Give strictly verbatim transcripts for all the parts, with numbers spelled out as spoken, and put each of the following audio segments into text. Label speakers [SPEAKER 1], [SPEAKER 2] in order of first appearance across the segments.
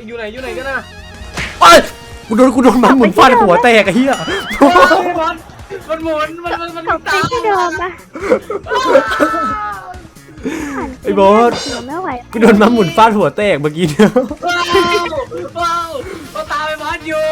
[SPEAKER 1] อยู่ไหนอยู่ไหนกันนะ
[SPEAKER 2] ไอ้กูโดนกูโดนมันหมุนฟาดหัวแตกไอ้เหี้ย
[SPEAKER 1] มันหมุนมันมันมัน
[SPEAKER 3] ตกไปที่เดิมปะ
[SPEAKER 2] ไอ้บอส
[SPEAKER 3] ไม่ไหว
[SPEAKER 2] กูโดนมันหมุนฟาดหัวแตกเมื่อกี้เนี่ย
[SPEAKER 1] ว้าวว้าวก็ตามไปบอสอยู่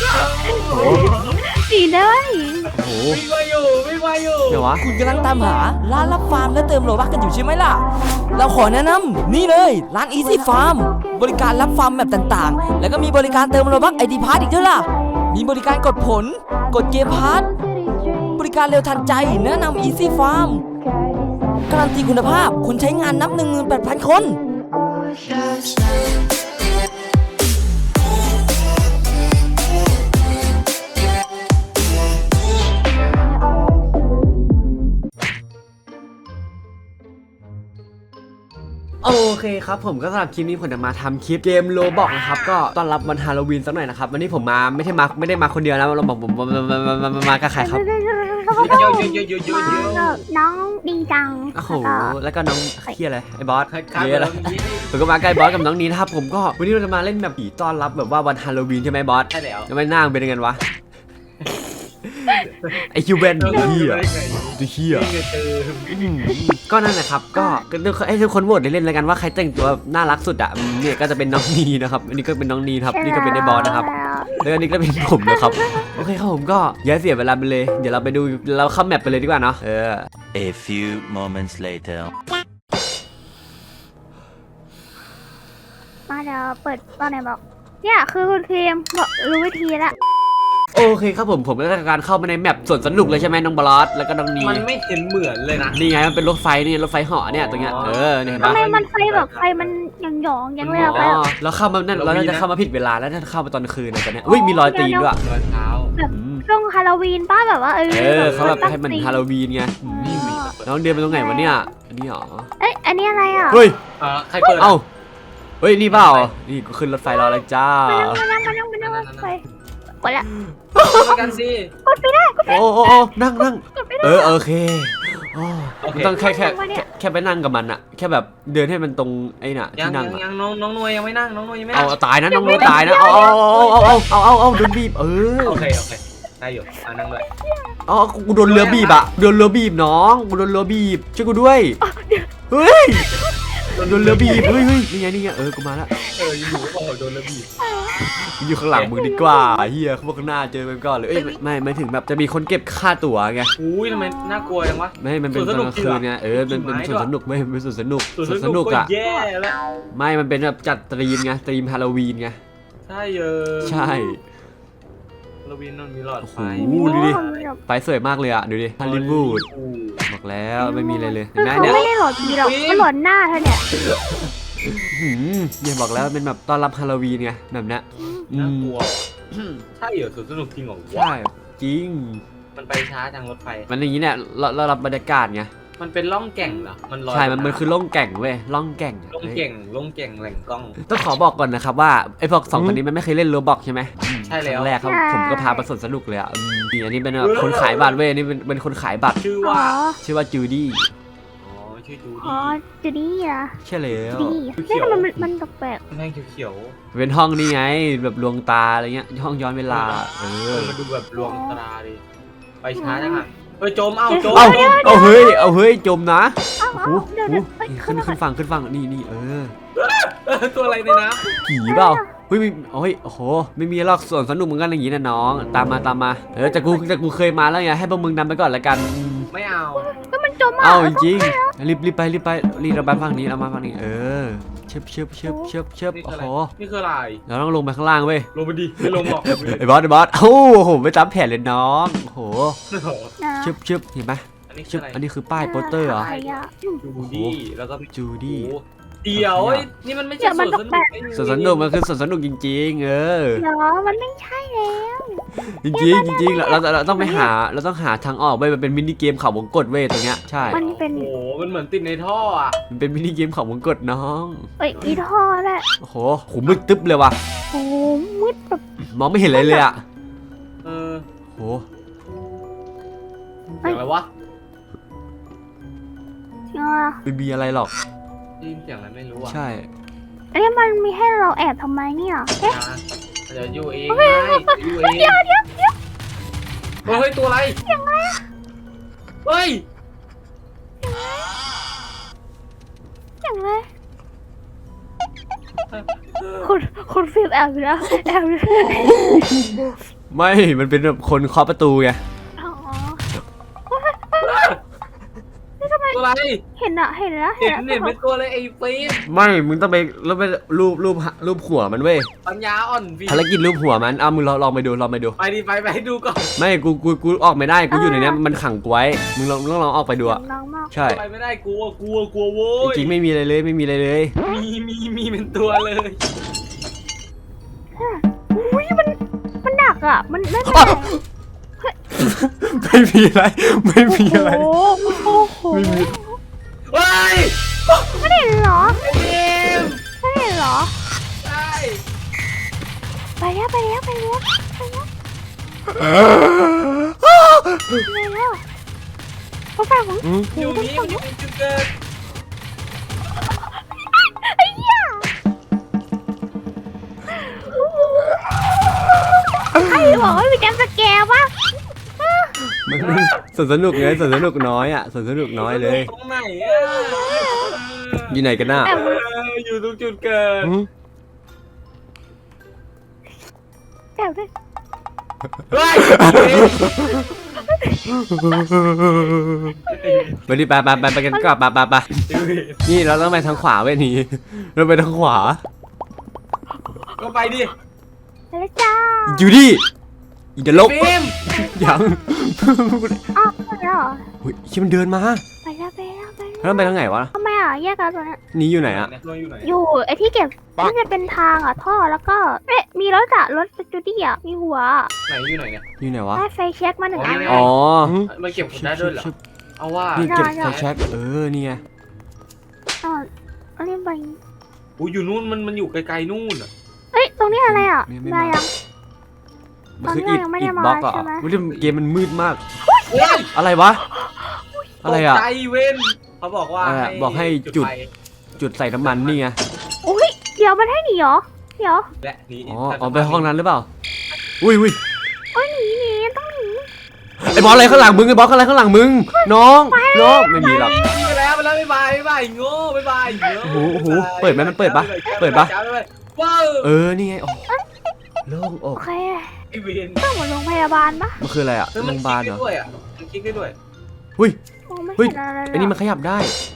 [SPEAKER 3] ดีเลย
[SPEAKER 2] โอ้โห
[SPEAKER 1] วิ่งมาอยู่วิ่งมาอยู่
[SPEAKER 2] เดี๋ยววะ
[SPEAKER 4] คุณกำลังตามหาร้านรับฟาร์มและเติมโลบัคกันอยู่ใช่ไหมล่ะ เราขอแนะนำนี่เลยร้าน Easy Farm บริการรับฟาร์มแบบต่างๆ แล้วก็มีบริการเติมโลบัคไอดีพาร์ทอีกด้วยล่ะ มีบริการกดผล กดเกมพาร์ทบริการเร็วทันใจแนะนำ Easy Farm การันตีคุณภาพคนใช้งานนับ หนึ่งหมื่นแปดพัน คน
[SPEAKER 2] โอเคครับผมก็สำหรับคลิปนี้ผมจะมาทำคลิปเกมโลบอกนะครับก็ต้อนรับวันฮาโลวีนสักหน่อยนะครับวันนี้ผมมาไม่ใช่มาไม่ได้มาคนเดียวนะเราบอกผมมามากับใครครับ
[SPEAKER 1] เยอะเยอะเยอะเยอะเยอะเยอะ
[SPEAKER 3] น้องดีจัง
[SPEAKER 2] โอ้โหแล้วก็น้องเฮียอะไรไอ้บอส
[SPEAKER 1] ใคร
[SPEAKER 2] เฮียอะไรผมก็มาใกล้บอสกับน้องนี้นะครับผมก็วันนี้เราจะมาเล่นแบบผีต้อนรับแบบว่าวันฮาโลวีนใช่ไหมบอส
[SPEAKER 1] ใช่แล้ว
[SPEAKER 2] แล้วไม่น่าเป็นยังไงวะไอคิวเบนเฮียตัวเฮียก็นั่นแหละครับก็ให้ทุกคนโหวตได้เล่นแล้วกันว่าใครแต่งตัวน่ารักสุดอ่ะเนี่ยก็จะเป็นน้องนีนะครับอันนี้ก็เป็นน้องนีครับนี่ก็เป็นไอ้บอสนะครับแล้วอันนี้ก็เป็นผมนะครับโอเคครับผมก็อย่าเสียเวลาไปเลยเดี๋ยวเราไปดูเราเข้าแมปไปเลยดีกว่าเนาะเออ
[SPEAKER 5] A few moments later
[SPEAKER 3] มาเดี๋ยวเปิดตอนไหนบอกเนี่ยคือคุณครีมบอกรู้วิธีละ
[SPEAKER 2] โอเคครับผมผมก็ได้การเข้ามาในแมปสวนสนุกเลยใช่ไหมน้องบอสแล้วก็น้องนี
[SPEAKER 1] มันไม่เห็นเหมือนเลยนะ
[SPEAKER 2] นี่ไงมันเป็นรถไฟนี่รถไฟเหาะเนี่ยตรงเนี้ยเออเนี่ยเห็น
[SPEAKER 3] ทำ
[SPEAKER 2] ปะ
[SPEAKER 3] ไมมันไฟแบบไฟมันหยองๆยังเลยอะ
[SPEAKER 2] อ๋
[SPEAKER 3] ไฟ
[SPEAKER 2] อเราเข้ามานั่นเราน่าจะเข้ามาผิดเวลาแล้วถ้าเข้ามาตอนคืนเนี่ยตอนเนี้ยอุ้ยมีรอยตีนด้วย
[SPEAKER 1] รอยเท้า
[SPEAKER 3] แบบช่วงฮาโลวีนป้าแบบว่าเออ
[SPEAKER 2] เออเขาแบบให้มันฮาโลวีนไงน้องเดินไปตรงไหนวะเนี่ยอันนี้หรอ
[SPEAKER 3] เอ้ยอันนี้อะไรอ่ะ
[SPEAKER 2] เฮ้ย
[SPEAKER 1] เออใครเปิด
[SPEAKER 2] เอ้าเฮ้ยนี่เปล่านี่กูขึ้นรถไฟรอแล้วจ้า
[SPEAKER 3] มานั่งมานั่งมานั่งมานั่งไฟกดละ
[SPEAKER 1] ไปกันสิ
[SPEAKER 3] กดไปได้กด
[SPEAKER 2] โอ้โอ้โอ้นั่งนั่ง
[SPEAKER 3] กดไปได้
[SPEAKER 2] เออโอเคต้องแค่แค่แค่ไปนั่งกับมันอะแค่แบบเดินให้มันตรงไอ้น่ะ
[SPEAKER 1] ยัง
[SPEAKER 2] ที่นั่ง
[SPEAKER 1] ยัง
[SPEAKER 2] อะ
[SPEAKER 1] ยังน้องน้องนวยยังไม่นั่งน้องนวยยังไม่
[SPEAKER 2] เอา
[SPEAKER 1] นั่ง
[SPEAKER 2] ตายนะน้องโนตายนะเอาเอาเอาเอาเอาเอาเอาโดนบีบเออ
[SPEAKER 1] โอเคโอเคได้อยู่อ่านั่งเลย
[SPEAKER 2] อ๋อกูโดนเรือบีบอะโดนเรือบีบน้องกูโดนเรือบีบช่วยกูด้วยเฮ้ยโดนเรือบีบเฮ้ยเฮ้ยนี่ไงนี่ไงเออกูมาละ
[SPEAKER 1] เอออยู่โอ้โดนระบีบ
[SPEAKER 2] อยู่ข้างหลังมึงดีกว่าเฮียเขาบอกข้างหน้าเจอไปก่อนเลยเอ้ยไม่ไม่ถึงแบบจะมีคนเก็บค่าตั๋วไง
[SPEAKER 1] อุ้ยทำไมน่ากลัวจังวะ
[SPEAKER 2] ไม่มันเป็นตอนกลางคืนไงเออมันเป็นสวนสนุกไม่เป็นสวนสนุก
[SPEAKER 1] ส่วน
[SPEAKER 2] สวนสนุกอะ
[SPEAKER 1] แย่แล้ว
[SPEAKER 2] ไม่มันเป็นแบบจัดตรีมไงตรีมฮาโลวีนไง
[SPEAKER 1] ใช่เออ
[SPEAKER 2] ใช่
[SPEAKER 1] ระวีนนนมีหลอดไฟ
[SPEAKER 2] โอ้โหดูดิไฟสวยมากเลยอะดูดิฮอลลีวูดบอกแล้วไม่มีอะไรเลยเห็นไหม
[SPEAKER 3] เขา
[SPEAKER 2] เนี่ย
[SPEAKER 3] ไม่ได้หลอดผีหรอกเขาหลอนหน้าเธอเนี่ย
[SPEAKER 2] หืมเนี่ยบอกแล้วเป็นแบบต้อนรับฮาโลวีนไงแบบเนี้ยอื
[SPEAKER 1] น่าม กลัวใช่เหรอสวนสนุกจริงเหรอ
[SPEAKER 2] ใช่จริง
[SPEAKER 1] มันไปช้าจังรถไฟ
[SPEAKER 2] มันอย่างนี้เนี่ยเราเรารับบรรยากาศไง
[SPEAKER 1] มันเป็นล่องแก่งเหรอมันลอย
[SPEAKER 2] ใช่มันมันคือล่องแก่งเว้ยล่องแก่ง
[SPEAKER 1] ล่องแก่งล่องแก่งแหล่งกล้อง
[SPEAKER 2] ต้องขอบอกก่อนนะครับว่าไอ้พวกสองคนนี้มันไม่เคยเล่นโรบอกใช่ไหม
[SPEAKER 1] ใช่แล้ว
[SPEAKER 2] ครั้งแรกครับผมก็พาไปสวนสนุกเลยอ่ะอืมนี่อันนี้เป็นแบบคนขายบัตรเว้ยนี่เป็นเป็นคนขายบัตร
[SPEAKER 1] ชื่อ
[SPEAKER 3] อ๋อ
[SPEAKER 1] ว่า
[SPEAKER 2] ชื่อว่าจูดี้
[SPEAKER 1] อ๋อชื่อจู
[SPEAKER 3] อ๋อ
[SPEAKER 1] ดี้
[SPEAKER 3] จูดี้อะ
[SPEAKER 2] ใช่แล้ว
[SPEAKER 3] ดีนี่ทำไมมันมันแปลก
[SPEAKER 1] แม่งเขียว
[SPEAKER 2] เป็นห้องนี่ไงแบบลวงตาอะไรเงี้ยห้องย้อนเวลาเอ
[SPEAKER 1] ๆเอ
[SPEAKER 2] อ
[SPEAKER 1] อมันดูแบบลวงตาดิไปช้าจังอ่ะเออจมเอ้าจม
[SPEAKER 2] เอาเอาเฮ้ยเอาเฮ้ยจมนะ
[SPEAKER 3] ๆอ้าว
[SPEAKER 2] โอ้โห
[SPEAKER 3] เดี๋ยว
[SPEAKER 2] โอ้
[SPEAKER 3] เดี๋ยว
[SPEAKER 2] โหขึ้นขึ้นฝั่งขึ้นฝั่งนี่นี่เออ
[SPEAKER 1] เออตัวอะไรในน้
[SPEAKER 2] ผีเปล่าเฮ้ยไม่โอ้ยโอ้โหไม่มีหรอกสวนสนุกเหมือนกันอย่างนี้นะน้องตามมาตามมาเออแต่กูแต่กูเคยมาแล้วไงให้พวกมึงนำไปก่อนละกันอืม
[SPEAKER 1] ำไม่เอา
[SPEAKER 3] แล้วมันจมอ่ะ
[SPEAKER 2] เอาจริงๆรีบรีบไปรีบไปรีบเราไปฝั่งนี้เรามาฝั่งนี้เออเชิบเชิบเชิบเชิบเชิบ
[SPEAKER 1] นี่
[SPEAKER 2] โอ้
[SPEAKER 1] คืออะไร
[SPEAKER 2] โห
[SPEAKER 1] นี่คืออะไร
[SPEAKER 2] เราต้องลงไปข้างล่างเว้ย
[SPEAKER 1] ลงไปดิไม่ลงหรอก
[SPEAKER 2] ไอ้บอสไอ้บอสโอ้โหไม่ตามแผนเลยน้องโอ้โห
[SPEAKER 3] นะ
[SPEAKER 2] เชิบเชิบเห็นไหม
[SPEAKER 1] อันนี้คื
[SPEAKER 2] เชิ
[SPEAKER 1] อบ อะไร
[SPEAKER 2] อันนี้คือป้ายโปสเตอร์เหรอ
[SPEAKER 3] ะไอะ
[SPEAKER 1] จูดี้แล้วก็
[SPEAKER 2] จูดี้
[SPEAKER 1] โอ้โหเดี๋ยวเอ้ยนี่มันไม่ใช่สวนสนุก
[SPEAKER 2] สวนสนุกมันคือสวนสนุกจริงๆ เออ
[SPEAKER 3] เดี๋ยวมันไม่ใช่แล้ว
[SPEAKER 2] จริงๆจริงๆเราเราเราต้องไปหาเราต้องหาทางออกเว้ยมันเป็นมินิเกมเขาวงกตเว้ยตรงเนี้ยใช่
[SPEAKER 3] มันเป็น
[SPEAKER 1] โอ้โหมันเหมือนติดในท่ออ่ะ
[SPEAKER 2] มันเป็นมินิเกมเขาวงกตน้อง
[SPEAKER 3] เอ้ยมีท่อด้วย
[SPEAKER 2] โอ้โหโหมืดตึ๊บเลยว่ะ
[SPEAKER 3] โอ้โหมืดแบบ
[SPEAKER 2] มองไม่เห็นอะไรเลยอ่ะ
[SPEAKER 1] เออ
[SPEAKER 2] โห
[SPEAKER 1] เสียงอะไรวะ
[SPEAKER 3] เนาะ
[SPEAKER 2] ไม่มีอะไรหรอก
[SPEAKER 1] ได้ยินเสียงอะไรไม่รู้อ่ะ
[SPEAKER 2] ใช่
[SPEAKER 3] อันนี้มันมีให้เราแอบทำไมเนี่ยเอ๊ะ
[SPEAKER 1] เดี๋ยวอยู่เองไม่อยู่เอง
[SPEAKER 3] เดี๋ยวเดี๋ยวเดี๋ยว
[SPEAKER 1] เฮ้ยตัวอะไรเฮ้ย
[SPEAKER 3] อย่างไรคุณคุณฟิล์มแอบอยู่แล้วแอบอยู่
[SPEAKER 2] ไม่มันเป็นแบบคนเคาะประตูไง
[SPEAKER 3] อ๋อ
[SPEAKER 1] ตัวอะไร
[SPEAKER 3] เห็นอะเห็นแล้ว
[SPEAKER 1] เห็น
[SPEAKER 3] แล้ว
[SPEAKER 1] เห็นเป็นตัวอะไรไอ้ฟิล์ม
[SPEAKER 2] ไม่มึงต้องไปแล้วไปรูปรูปรูปหัวมันเว้ย
[SPEAKER 1] ปัญญาอ่อนฟิล์ม
[SPEAKER 2] ภารกิจรูปหัวมันเอามึงลองลองไปดูลองไปดู
[SPEAKER 1] ไปดิไปไปดูก่อน
[SPEAKER 2] ไม่กูกูกูออกไม่ได้กูอยู่ในเนี้ยมันขังกูไว้มึงลองลองลองออกไปดูอะ
[SPEAKER 3] น้องมาก
[SPEAKER 2] ใช่
[SPEAKER 1] ไปไม่ได้กลัวกลัวกลัวโว้
[SPEAKER 2] จ
[SPEAKER 1] ย
[SPEAKER 2] ริงๆไม่มีอะไรเลยไม่มีอะไรเลย
[SPEAKER 1] มีมีมีเป็นตัวเลย
[SPEAKER 3] อุ้ยมันมันดักอะมันไม่เป็น
[SPEAKER 2] อ้า
[SPEAKER 3] ไร
[SPEAKER 2] ว ไม่มีอะไรไม่มีอะไร
[SPEAKER 3] โอ้โห
[SPEAKER 2] ไม่มี
[SPEAKER 1] เฮ้ย
[SPEAKER 3] ไม่เห็นเหรอ
[SPEAKER 1] ไอ้ฟิล์ม
[SPEAKER 3] ไม่เห็นเหรอ
[SPEAKER 1] ใช่
[SPEAKER 3] ไปแล้วไปแล้วไปแล้วไปแล้ว
[SPEAKER 2] เออ
[SPEAKER 3] ไปแล้วเขาฝากผม
[SPEAKER 2] อืม
[SPEAKER 1] อยู่นี่มันอยู่ในจุดเกิด
[SPEAKER 3] ไอ้เหี้ยใครบอกว่ามีแกมสแกร์วะ
[SPEAKER 2] มันมันสวนสนุกไงสวนสนุกน้อยอ่ะสวนสนุกน้อยเลย
[SPEAKER 1] ตรงไหนอ่ะ
[SPEAKER 2] อยู่ไหนกันน่ะ
[SPEAKER 1] เอออยู่ตรงจุดเกิด
[SPEAKER 2] อืม
[SPEAKER 3] แอบด้วย
[SPEAKER 1] เฮ้ย
[SPEAKER 2] ไปดิไปไปไปไปกันกลับไปไปไปนี่เราต้องไปทางขวาเว้ยนี่เราไปทางขวา
[SPEAKER 1] ก็ไปดิ
[SPEAKER 3] ไปแล้วจ้า
[SPEAKER 2] อยู่ดิอีเดลบ
[SPEAKER 1] ฟิล์ม
[SPEAKER 2] ยัง
[SPEAKER 3] อ้าวไปแล้วเหรอ
[SPEAKER 2] เฮ้ยชิมันเดินมา
[SPEAKER 3] ไปแล้วไปแล้วไป
[SPEAKER 2] แล้วไปทางไหนวะ
[SPEAKER 3] ทำไมอ่ะแยกกันตรงนี้
[SPEAKER 2] นี่อยู่ไหนอะ
[SPEAKER 1] เราอยู่ไหน
[SPEAKER 3] อยู่ไอ้ที่เก็บที่จะเป็นทางอ่ะท่อแล้วก็เอ๊ะมีรถอะรถจูดี้อ่ะมีหัว
[SPEAKER 1] ไหนอยู่ไหนเนี่ย
[SPEAKER 2] อยู่ไหนวะ
[SPEAKER 3] ได้ไฟเช็คมาหนึ่งอัน
[SPEAKER 2] อ๋อ
[SPEAKER 1] มันเก็บคนได้ด้วยเหรอ เอาว่า
[SPEAKER 2] นี่เก็บไฟแช็กเออนี่ไง
[SPEAKER 3] อ๋ออันนี้ไป
[SPEAKER 1] อู้อยู่นู่นมันมันอยู่ไกลๆนู่นอ่ะ
[SPEAKER 3] เอ้ยตรงนี้อะไรอ่ะมายัง
[SPEAKER 2] มันคือ
[SPEAKER 3] ตอน
[SPEAKER 2] อิ
[SPEAKER 3] นี้
[SPEAKER 2] ด
[SPEAKER 3] ยังไม่ได้
[SPEAKER 2] อิด
[SPEAKER 3] มา
[SPEAKER 2] บล็อกเหรอ
[SPEAKER 3] ใช่ไหม
[SPEAKER 2] เฮ้ยเกมมันมืดมาก
[SPEAKER 1] โอ้ย
[SPEAKER 2] อะไรวะ อะไรอะ
[SPEAKER 1] ตกใจเว้นเขาบอกว่า
[SPEAKER 2] อะไรอะบอกให้จุด
[SPEAKER 1] ไฟ
[SPEAKER 2] จุดใส่น้ำมันนี่ไง
[SPEAKER 3] อุ้ยเดี๋ยวมันให้หนีเหรอเดี๋ยว
[SPEAKER 1] และนี่
[SPEAKER 2] อ๋ออ๋อไปห้องนั้นหรือเปล่าอุ้ยอุ้ย
[SPEAKER 3] โอ้ยหนีหนีต้องหนี
[SPEAKER 2] ไอ้บอสอะไรข้างหลังมึงไอ้บอสอะไรข้างหลังมึงน้องน้องไม่มีหรอก
[SPEAKER 1] ไปแล้วไปแล้วบ๊ายบายบ๊ายบายโง่บ๊ายบายโง่
[SPEAKER 2] โอ้โหโอ้โหเปิดไหมมันเปิดปะเปิดปะ
[SPEAKER 1] ว้าว
[SPEAKER 2] เออนี่ไงโอ้โล่งอ
[SPEAKER 3] โอก เค
[SPEAKER 1] ไอเวน
[SPEAKER 3] ต้องเหมือนโรงพยาบาลปะ
[SPEAKER 2] มันคืออะไรอะ
[SPEAKER 1] เฮ้ย
[SPEAKER 2] โร
[SPEAKER 1] มัน
[SPEAKER 2] งพ
[SPEAKER 1] ค
[SPEAKER 2] ยาบาล
[SPEAKER 1] ลิ
[SPEAKER 2] เหร
[SPEAKER 1] ก
[SPEAKER 2] อ
[SPEAKER 1] ได้ด้วยอ่ะมันคลิกได้ด้วย
[SPEAKER 3] มองไม่
[SPEAKER 2] เฮ้ย
[SPEAKER 3] เห็นอะไรเลย
[SPEAKER 2] ไอ้นี่มันขยับได้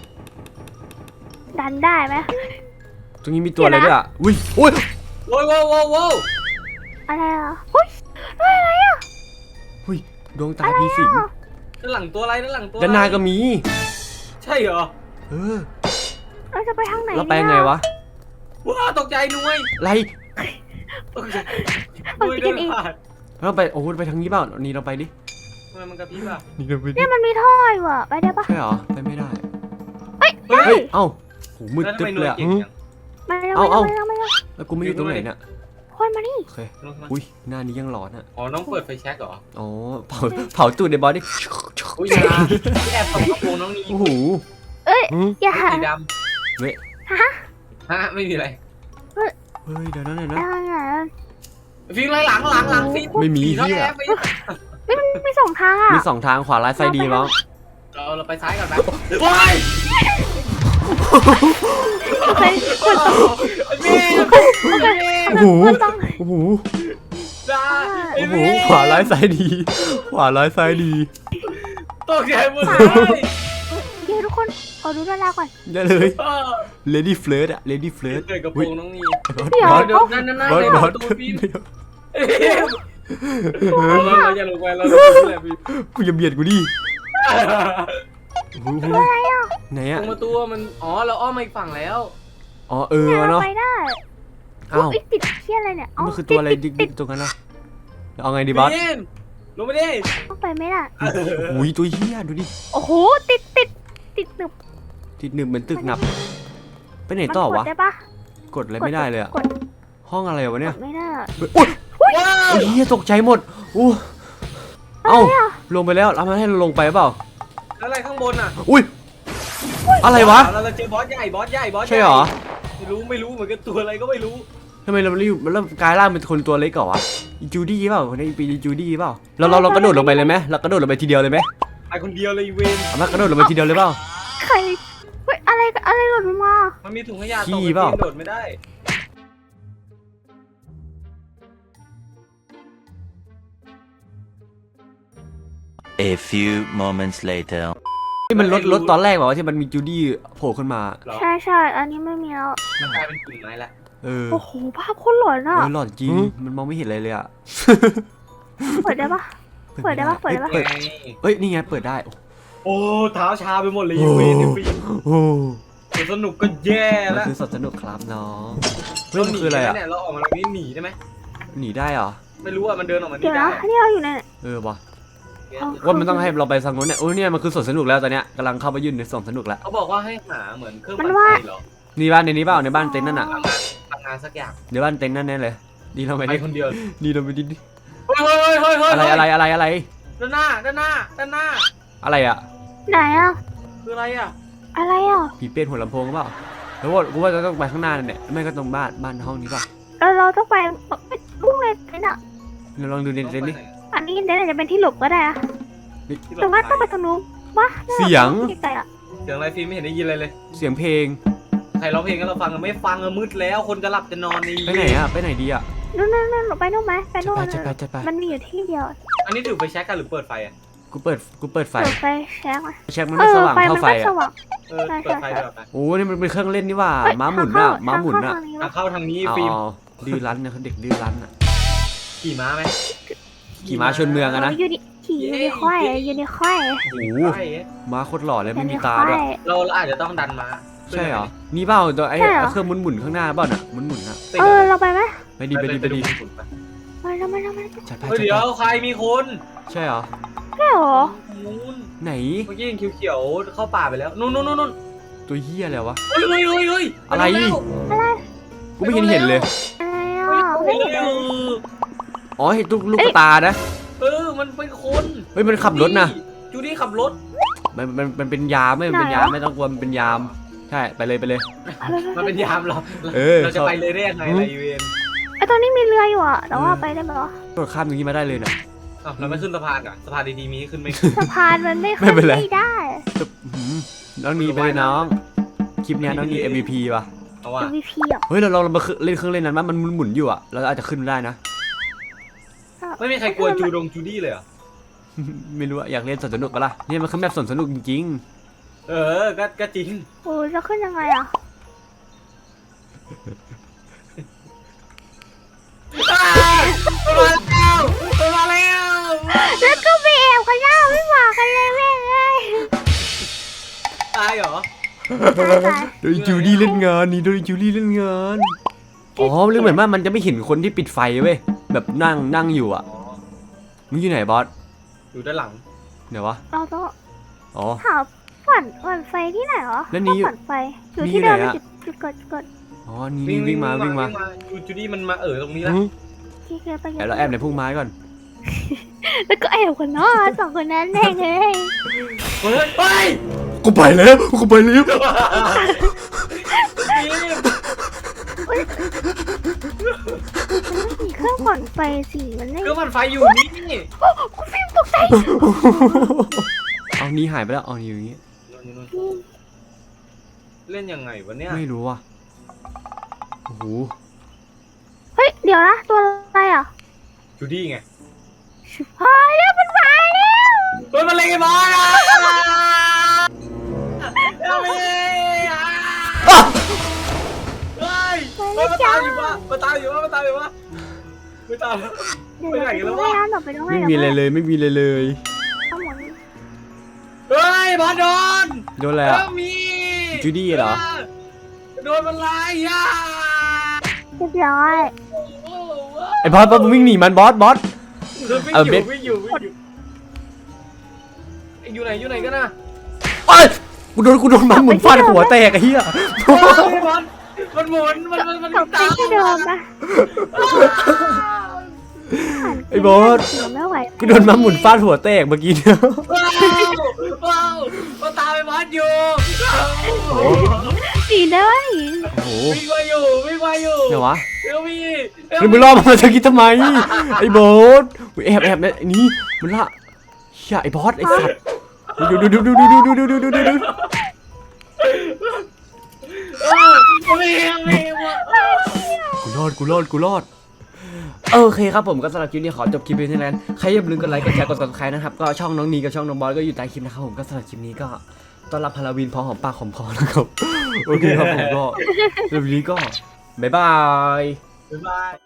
[SPEAKER 3] ดันได้ไหม
[SPEAKER 2] ตรงนี้มีตัวอะไรด้วยอ่ะอุ้ยอุ้ย
[SPEAKER 1] ว้าวว้าวว้าวว้าว
[SPEAKER 3] อะไรอ่ะอุ้ยอะไรอ่ะ
[SPEAKER 2] อุ้ยดวงตาผีสิง
[SPEAKER 1] ด้านหลังตัวอะไรด้านหลังตัว
[SPEAKER 2] ด้านหน้าก็มี
[SPEAKER 1] ใช่เหรอ
[SPEAKER 2] เออ
[SPEAKER 3] เราจะไปทางไหน
[SPEAKER 2] เราไปไงวะ
[SPEAKER 1] ว้าวตกใจนุ้ย
[SPEAKER 2] ไร
[SPEAKER 1] ตกใจนุ้ยเดินผ่าน
[SPEAKER 2] เราไปโอ้โหไปทางนี้เปล่านี่เราไปดิ
[SPEAKER 1] ทำไมมันกระพริบอ่ะ
[SPEAKER 2] นี่เราไปดิ
[SPEAKER 3] เนี่ยมันมีท่ออยู่อ่ะไปได้ปะ
[SPEAKER 2] ใช่เหรอไปไม่ได้
[SPEAKER 3] เฮ้ย
[SPEAKER 1] เฮ้
[SPEAKER 2] เฮ้
[SPEAKER 1] ย
[SPEAKER 2] ยเอ้าโหมืด
[SPEAKER 1] แล้วทำ
[SPEAKER 2] ตึ๊บ
[SPEAKER 1] ไม
[SPEAKER 2] เลย
[SPEAKER 1] นุ้ย
[SPEAKER 2] อ่ะ
[SPEAKER 1] เก่ง
[SPEAKER 2] หืม
[SPEAKER 1] จัง
[SPEAKER 3] มาเร็ว
[SPEAKER 2] เอา
[SPEAKER 3] มา
[SPEAKER 2] เอา
[SPEAKER 3] เร็วมาเร็ว
[SPEAKER 2] แล้วกูไม่อยู่ตรงไหนเนี่ย
[SPEAKER 3] คนมานี่
[SPEAKER 2] โอเคอุ้ยหน้านี้ยังหลอนอ่ะ
[SPEAKER 1] อ๋อน้องเปิดไฟแช็กเหรอ
[SPEAKER 2] อ๋อเผาเผาตูดในบอสดิ
[SPEAKER 1] อุ้ยอยาแอบส่องกระโปรงน้องนี้
[SPEAKER 2] โอ้โห
[SPEAKER 3] เอ้ย
[SPEAKER 2] หืม
[SPEAKER 3] อย่า
[SPEAKER 1] สีด
[SPEAKER 2] เว้ย
[SPEAKER 3] ฮะ
[SPEAKER 1] ำฮะไม่มีอะไร
[SPEAKER 2] เฮ้ยเดี๋ยวนะเดี๋ยวนะ
[SPEAKER 3] อะไรอ่ะ
[SPEAKER 1] ฟิล์มไรหลังหลังหลังฟิล์ม
[SPEAKER 2] ไม่มี
[SPEAKER 1] ผีน้อง
[SPEAKER 2] เหี้ย
[SPEAKER 1] แอบไป
[SPEAKER 3] ไม่มันมีสองทางอ่ะ
[SPEAKER 2] มีสองทางขวาร้ายไฟดีมั้ง
[SPEAKER 1] เราเราไปซ้ายก่อนนะว้าย
[SPEAKER 3] โอเคคนต้อง
[SPEAKER 1] ฟิล์ม
[SPEAKER 2] โอ้โห
[SPEAKER 3] คนต้อง
[SPEAKER 2] โอ้โห
[SPEAKER 1] ได้
[SPEAKER 2] โอ้โหขวาร้ายซ้ายดี ขวาร้ายซ้ายดี
[SPEAKER 1] ตกใจหมดเลย
[SPEAKER 3] เดี๋ยวทุกคนขอดูดาราก่อน
[SPEAKER 2] ได้เลย
[SPEAKER 1] เออ
[SPEAKER 2] Lady Flirt อะ Lady Flirt
[SPEAKER 1] เปิดกระโปรงน้องนี้
[SPEAKER 3] เดี๋ยว
[SPEAKER 2] บอส
[SPEAKER 1] เดี๋ยวนั่นนั่นนั่น
[SPEAKER 2] บอส
[SPEAKER 1] ใน
[SPEAKER 2] บอส
[SPEAKER 1] ประตูฟิล์ม
[SPEAKER 2] เดี๋ยว
[SPEAKER 1] เราเราอย่าลงไปเราลงไปเลยฟิล์ม
[SPEAKER 2] กูอย่าเบียดกูดิโอ้โห
[SPEAKER 3] อะไรอ่ะ
[SPEAKER 2] ไหน
[SPEAKER 1] ต
[SPEAKER 2] อะ
[SPEAKER 1] รงประตูมันอ๋อเราอ้อมมาอีกฝั่งแล้ว
[SPEAKER 2] อ๋อเออ
[SPEAKER 3] เนี่ยเรา
[SPEAKER 2] เนาะ
[SPEAKER 3] ไปได้
[SPEAKER 2] อ้าว
[SPEAKER 3] อุ๊ยติดเชี่ยอะไรเนี่ย
[SPEAKER 2] มันคือตัวอะไรดิ
[SPEAKER 3] ติ
[SPEAKER 2] ก
[SPEAKER 3] ด
[SPEAKER 2] ๆตรงนั้นนะเอาไงดีบอส
[SPEAKER 1] ฟิล์มลงไปดิ
[SPEAKER 3] ต้องไปไม่ได้
[SPEAKER 2] โอ้ยตัวเฮียดูดิ
[SPEAKER 3] โอ้โหติดติดติดหนึบ
[SPEAKER 2] ติดหนึบเหมือนตึกหนับไปไหน
[SPEAKER 3] มัน
[SPEAKER 2] ต่อก
[SPEAKER 3] ด
[SPEAKER 2] วะ
[SPEAKER 3] ได้ปะ
[SPEAKER 2] กดอะไรไม่ได้เลยอะ
[SPEAKER 3] กด
[SPEAKER 2] ห้องอะไรวะเนี่ย
[SPEAKER 3] กดไม่ได้
[SPEAKER 2] โอ้ย
[SPEAKER 1] ว้าว
[SPEAKER 2] โอ้ยเฮียตกใจหมดอู้เอ้าลงไปแล้วแล้วมันให้เราลงไปเปล่า
[SPEAKER 1] แล้วอะไรข้างบนอ่ะ
[SPEAKER 2] อุ้ยอะไรวะ
[SPEAKER 1] เราจะเจอบอสใหญ่บอสใหญ่บอสใหญ่
[SPEAKER 2] ใช่เหรอ
[SPEAKER 1] นไม่รู้ไม่รู้เหมือนกันตัวอะไรก็ไม่รู้
[SPEAKER 2] ทำไมเรารีบเริ่มกลายร่างเป็นคนตัวเล็กก่อนวะอีจูดี้เปล่าคนนี้ปีจูดี้เปล่าเราเราเรากระโดดลงไปเลยไหมเรากระโดดลงไปทีเดียวเลยไหม
[SPEAKER 1] ไปคนเดียวเลยเวน
[SPEAKER 2] เอามากระโดดลงไปทีเดียวเลยเปล่า
[SPEAKER 3] ใครเฮ้ยอะไรอะไรหล่นลงมา
[SPEAKER 1] มันมีถุงขยะ
[SPEAKER 2] ขี้
[SPEAKER 1] ตก
[SPEAKER 2] เปล่า
[SPEAKER 1] ไปโดดไม่ได้
[SPEAKER 5] A few moments later.
[SPEAKER 2] ที่มันลดลดตอนแรกบอกว่าที่มันมีจูดี้โผล่ขึ้นมา
[SPEAKER 1] เหรอ
[SPEAKER 3] ใช่ใช่อันนี้ไม่มีแล้ว
[SPEAKER 1] มันกลายเป็นกิ่งไม้ละ
[SPEAKER 2] เออ
[SPEAKER 3] โอ้โหภาพโคตรหลอนอ่ะ
[SPEAKER 2] เออหลอนจริงมันมองไม่เห็นอะไรเลยอะ
[SPEAKER 3] เปิดได้ปะ เปิดได้ปะเปิดได้ปะ
[SPEAKER 2] เปิด
[SPEAKER 1] ไง
[SPEAKER 2] เอ้ยนี่ไงเปิดได้
[SPEAKER 1] โอ้เท้าชาไปหมดเลย
[SPEAKER 2] โอ้
[SPEAKER 1] เวนเนี่ยฟิล์ม
[SPEAKER 2] โอ้
[SPEAKER 1] สนุกก็แย่
[SPEAKER 2] มัน
[SPEAKER 1] แล้ว
[SPEAKER 2] คือสดสนุกครับน้องเฮ้ยมันคืออะไรอะ
[SPEAKER 1] เนี่ยเราออกมาตรงนี้หนีได้ไหม
[SPEAKER 2] หนีได้เหรอ
[SPEAKER 1] ไม่รู้อ่ะมันเดินออกมา
[SPEAKER 3] เดี๋
[SPEAKER 1] นี่
[SPEAKER 3] ยว
[SPEAKER 1] ได้
[SPEAKER 3] นะนี่เราอยู่ใน
[SPEAKER 2] เออวะ
[SPEAKER 3] เอา
[SPEAKER 2] ว่ามันต้องให้เราไปสังนู้นเนี่ยโอ้ยเนี่ยมันคือสวนสนุกแล้วตอนเนี้ยกำลังเข้าไปยื่นในสวนสนุกแล้ว
[SPEAKER 1] เขาบอกว่าให้หาเหมือนเครื่อง
[SPEAKER 3] มั
[SPEAKER 1] ปั่
[SPEAKER 3] น
[SPEAKER 1] น
[SPEAKER 3] ว่า
[SPEAKER 1] ไฟเหรอ
[SPEAKER 2] นี่บ้านในนี้เปล่าในบ้านเต็นท์นั่นน่ะ
[SPEAKER 1] พลังงานพลังงานสักอย่าง
[SPEAKER 2] ในบ้านเต็นท์นั่นแน่เลยดีเราไป
[SPEAKER 1] ไป
[SPEAKER 2] ดิ
[SPEAKER 1] คนเดียว
[SPEAKER 2] ดีเราไปดิ
[SPEAKER 1] เฮ้ยเฮ้ยเฮ้ยเฮ้ย
[SPEAKER 2] อะไรอะไรอะไรอะไร
[SPEAKER 1] ด้านหน้าด้านหน้าด้านหน้า
[SPEAKER 2] อะไรอะ
[SPEAKER 3] ไหนอ่ะ
[SPEAKER 1] คืออะไรอ่ะ
[SPEAKER 3] อะไรอ่ะ
[SPEAKER 2] ผีเป็ดหัวลำโพงเปล่าแล้วว่ากูว่าจะต้องไปข้างหน้านั่นแหละไม่ก็ตรงบ้านบ้านห้องนี้ป่ะ
[SPEAKER 3] เราเราต้องไปไปลุกเลยนี่น่ะ
[SPEAKER 2] เราลองดูในเต็นท์ดิ
[SPEAKER 3] อันนี้เดี๋ยวจะเป็นที่หลบก็ได้อะ
[SPEAKER 2] นี่
[SPEAKER 3] ตรงนั้นต้องไปตรงนู้นวะ
[SPEAKER 2] เสียง
[SPEAKER 3] ไกลๆอ่ะ
[SPEAKER 1] เสียงอะไรฟิล์มไม่เห็นได้ยินอะไรเลย
[SPEAKER 2] เสียงเพลง
[SPEAKER 1] ใครร้องเพลงกันเราฟังกันไม่ฟังอะมืดแล้วคนจะหลับจะนอนนี่
[SPEAKER 2] ไปไหนอะไปไหนดีอะ
[SPEAKER 3] นู่นนู่นนู่นไปนู่นไหมไปนู่น
[SPEAKER 2] จะไปจะไป
[SPEAKER 3] มันมีอยู่ที่เดียว
[SPEAKER 1] อันนี้ถือไปแช็กกันหรือเปิดไฟอ่ะ
[SPEAKER 2] กูเปิดกูเปิดไฟ
[SPEAKER 3] เปิดไฟแช็กไหม
[SPEAKER 2] เช็คมัน
[SPEAKER 3] เอ
[SPEAKER 2] ไม่
[SPEAKER 3] อ
[SPEAKER 2] สว่าง
[SPEAKER 3] ไฟ
[SPEAKER 2] เท่า
[SPEAKER 3] มัน
[SPEAKER 2] ไฟ
[SPEAKER 3] ไม่
[SPEAKER 2] อะ
[SPEAKER 3] สว่าง
[SPEAKER 1] เออ
[SPEAKER 3] ใช่
[SPEAKER 1] เปิดไฟ
[SPEAKER 3] ใช่
[SPEAKER 1] เดี๋ยวไป
[SPEAKER 2] โอ้นี่มันเป็นเครื่องเล่นนี่ว่า
[SPEAKER 3] เอ้ย
[SPEAKER 2] ม้าหมุน
[SPEAKER 3] ท
[SPEAKER 2] อะ
[SPEAKER 3] งเข้
[SPEAKER 2] ม้าหมุน
[SPEAKER 3] ท
[SPEAKER 2] อะ
[SPEAKER 3] งเข้าทางนี้
[SPEAKER 1] อ่ะ
[SPEAKER 3] วะ
[SPEAKER 1] เข้าทางนี้
[SPEAKER 2] อ๋อ
[SPEAKER 1] ฟิล์ม
[SPEAKER 2] ดื้อรั้นนะเขาเด็กดื้อรั้นอะ
[SPEAKER 1] ขี่ม้าไหม
[SPEAKER 2] ขี่ม้าชนเมืองอะนะ
[SPEAKER 3] ยูนิขี่ยูนิควายยูนิควาย
[SPEAKER 2] โอ้โห
[SPEAKER 1] ใช่
[SPEAKER 2] ม้าโคตรหล่อเลย
[SPEAKER 3] ยู
[SPEAKER 2] ไม่
[SPEAKER 3] นิ
[SPEAKER 2] มี
[SPEAKER 3] ค
[SPEAKER 2] ตาว ด้วย
[SPEAKER 3] าย
[SPEAKER 1] เราเราอาจจะต้องดันม้า
[SPEAKER 2] ใช่เหรอนี่เปล่าตัวไอ้
[SPEAKER 3] ใช่เหรอ
[SPEAKER 2] เครื่องหมุนหมุนๆข้างหน้าเปล่าน่ะหมุนหมุนๆอะ
[SPEAKER 1] ติด
[SPEAKER 3] เออเราไปไหม
[SPEAKER 2] ไปดีไปดีไปดี
[SPEAKER 3] ไปแล้วไปแล้วไปแล้ว
[SPEAKER 2] จัดไป
[SPEAKER 1] เฮ้ย
[SPEAKER 2] จัด
[SPEAKER 1] เดี๋ยว
[SPEAKER 2] ไป
[SPEAKER 1] ใครมีคน
[SPEAKER 2] ใช่เหรอ
[SPEAKER 3] ใช่เหรอ
[SPEAKER 1] นู้น
[SPEAKER 2] ไหน
[SPEAKER 1] เมื่อกี้ยังเขียวๆเข้าป่าไปแล้วนู่นนู่นนู่นนู่น
[SPEAKER 2] ตัวเหี้ยอะไรวะ
[SPEAKER 1] เฮ้ยเฮ้ยเฮ้ยเฮ้ย
[SPEAKER 2] อะไร
[SPEAKER 1] ปดูแล้ว
[SPEAKER 3] อะไร
[SPEAKER 2] กูไม่เห็นเห็นเลย
[SPEAKER 3] อะไรอ่ะ
[SPEAKER 1] เฮ้
[SPEAKER 3] ไม่
[SPEAKER 1] ย
[SPEAKER 3] เห็น
[SPEAKER 1] เร็
[SPEAKER 3] เล
[SPEAKER 1] วย
[SPEAKER 2] อ๋อเห็นลูกลูกตานะ
[SPEAKER 1] เออมันเป็นคน
[SPEAKER 2] เฮ้ยมันขับรถนะ
[SPEAKER 1] จูดี้ขับรถ
[SPEAKER 2] มันมันมันเป็นยามไม่มันเป็นยามไม่ต้องกลัวมันเป็นยามใช่ไปเลยไปเลย
[SPEAKER 1] มันเป็นยามเรา
[SPEAKER 2] เออ
[SPEAKER 1] เราจะไปเลยได้ยังไงล่ะอีเวน
[SPEAKER 3] ไอตอนนี้มีเรืออยู่อ่ะแต่ว่าไปได้ไหมวะ
[SPEAKER 2] โดดข้ามตรงนี้มาได้เลยนะ
[SPEAKER 1] อ้าวเราไม่ขึ้นสะพานอ่ะสะพานดีๆมีให้ขึ้นไหม
[SPEAKER 3] สะพานมันไม่
[SPEAKER 2] ไม่
[SPEAKER 3] ขึ้น
[SPEAKER 2] เป็นไร
[SPEAKER 3] ไม่ได้
[SPEAKER 2] ตึ๊บหืมน้องนีไปเลยน้องคลิปเนี้ยน้องนี เอ็ม วี พี ว่ะ
[SPEAKER 1] เอาว่ะ
[SPEAKER 3] เอ็ม วี พี อ่ะ
[SPEAKER 2] เฮ้ยเราเราเรามาเล่นเครื่องเล่นนั้นมั้ยมันหมุนๆอยู่อ่ะเราอาจจะขึ้นได้นะ
[SPEAKER 1] ไม่มีใครกลัวจูดงจูดี้เลยเหรอ
[SPEAKER 2] ไม่รู้อะอยากเล่นสวนสนุกปะล่ะนี่มันคือแบบสวนสนุกจริง
[SPEAKER 1] เออก็ก็จริง
[SPEAKER 3] โอ้ยจะขึ้นยังไงอ่ะ
[SPEAKER 1] มาแล้วมาแล้ว
[SPEAKER 3] แล้วก็ไปแอบกันหน้าไม่บอกกันเลยแม่งเลย
[SPEAKER 1] ตายเหรอ
[SPEAKER 3] ตาย
[SPEAKER 2] ๆโดยจูดี้เล่นงานนี่โดยจูดี้เล่นงานอ๋อเรื่องเหมือนว่ามันจะไม่เห็นคนที่ปิดไฟเว้ยแบบนั่งนั่งอยู่อ่ะ
[SPEAKER 1] อ๋อ
[SPEAKER 2] มึงอยู่ไหนบอส
[SPEAKER 1] อยู่ด้านหลัง
[SPEAKER 2] ไหนวะ
[SPEAKER 3] เราต้อง
[SPEAKER 2] อ๋อ
[SPEAKER 3] หาฝันฝันไฟที่ไหนเหรอ
[SPEAKER 2] แล้วนี่อยู่
[SPEAKER 3] ฝันไฟอยู่
[SPEAKER 2] นี่
[SPEAKER 3] ที่เดิม
[SPEAKER 2] ไหนอะ
[SPEAKER 3] จุดจุดกดจุดกด
[SPEAKER 2] อ๋อนี่นี่วิ่งมาวิ่งมา
[SPEAKER 1] จูจูดี้มันมาเออตรงนี้แล้ว
[SPEAKER 2] หึ
[SPEAKER 3] ที่เกิดไป
[SPEAKER 2] แอบเราแอบในพุ่มไม้ก่อน
[SPEAKER 3] แล้วก็แอบกันเนาะสองคนนั้นแน่เลย
[SPEAKER 1] เฮ้ยเฮ้ย
[SPEAKER 2] กูไปแล้วกูไปแล้ว
[SPEAKER 3] มีเครื่องผ่อนไฟสิมันไม่
[SPEAKER 1] เครื่องมันไฟอยู่นี่
[SPEAKER 3] คุณฟิล์มตกใจ
[SPEAKER 2] เอานี่หายไปแล้วเอานี่อยู่อย่างงี้
[SPEAKER 1] เล่นยังไงวะเนี่ย
[SPEAKER 2] ไม่รู้ว่ะโอ้โห
[SPEAKER 3] เฮ้ยเดี๋ยวนะตัวอะไรอ่ะ
[SPEAKER 1] จูดี้ไง
[SPEAKER 3] ชิบหายแล้วมันมาแล้ว
[SPEAKER 1] เฮ้ยมันเล่นไอ้บอลอ่ะเอาไปเฮ้ยมาตามอยู่วะมาตามอยู่วะมาตามอยู่วะไม่ตาม
[SPEAKER 3] เดี๋ยว
[SPEAKER 1] ไปไหนกันแล้ววะ
[SPEAKER 3] เดี๋ยวไปต้องให้
[SPEAKER 2] ไม่มีอะไรเลยไม่มีอะไรเลย
[SPEAKER 3] เอาหมด
[SPEAKER 1] เฮ้ยบอลโดน
[SPEAKER 2] โดนอะไรอ่ะ
[SPEAKER 1] มี
[SPEAKER 2] จูดี้เหรอ
[SPEAKER 1] โดนมันไล่อ่ะ
[SPEAKER 3] เรียบร้อย
[SPEAKER 2] ไอ้บอสบอสมึงวิ่งหนีมันบอสบอส
[SPEAKER 1] คือวิ่ง
[SPEAKER 2] เอา
[SPEAKER 1] อ
[SPEAKER 2] เบ็
[SPEAKER 1] ยู่
[SPEAKER 2] ด
[SPEAKER 1] วิ่งอยู่วิ่งอยู่อยู่ไหนอยู่ไหนกันนะ
[SPEAKER 2] เอ้ยกูโดนกูโดนมันหมุนฟาดหัวแตกไอ้เหี้ย
[SPEAKER 1] บอลมันหมุนมันมันมัน
[SPEAKER 3] กลับไปที่เดิมนะ
[SPEAKER 2] ไอ้บอส
[SPEAKER 3] เดี๋ยวไม่ไหว
[SPEAKER 2] กูโดนมันหมุนฟาดหัวแตกเมื่อกี้เนี่ย
[SPEAKER 1] ว้าวว้าวมาตามไปบอลอยู่
[SPEAKER 3] สีด้วย
[SPEAKER 2] โอ้โห
[SPEAKER 1] วิ่งมาอยู่วิ่งมาอยู่
[SPEAKER 2] เดี๋ยววะ
[SPEAKER 1] เร็วพี่
[SPEAKER 2] เฮ้ยมึงรอมาจะคิดทำไมไอ้บอสแอบแอบเนี่ยนี่มันละเฮียไอ้บอสไอ้สัตว์ดูดูดูดูดูดูดูดูดูดูดู
[SPEAKER 1] เออไม่ไม่ไม่
[SPEAKER 2] กูรอดกูรอดกูรอดโอเคครับผมก็สำหรับคลิปนี้ขอจบคลิปเพียงเท่านั้นใครอย่าลืมกดไลค์กดแชร์กด ซับสไครบ์ นะครับก็ช่องน้องนีกับช่องน้องบอสก็อยู่ใต้คลิปนะครับผมก็สำหรับคลิปนี้ก็ต้อนรับฮาโลวีนพอหอมปากหอมคอนะครับโอเคครับผมก็สำหรับวันนี้ก็บ๊ายบาย
[SPEAKER 1] บ๊ายบาย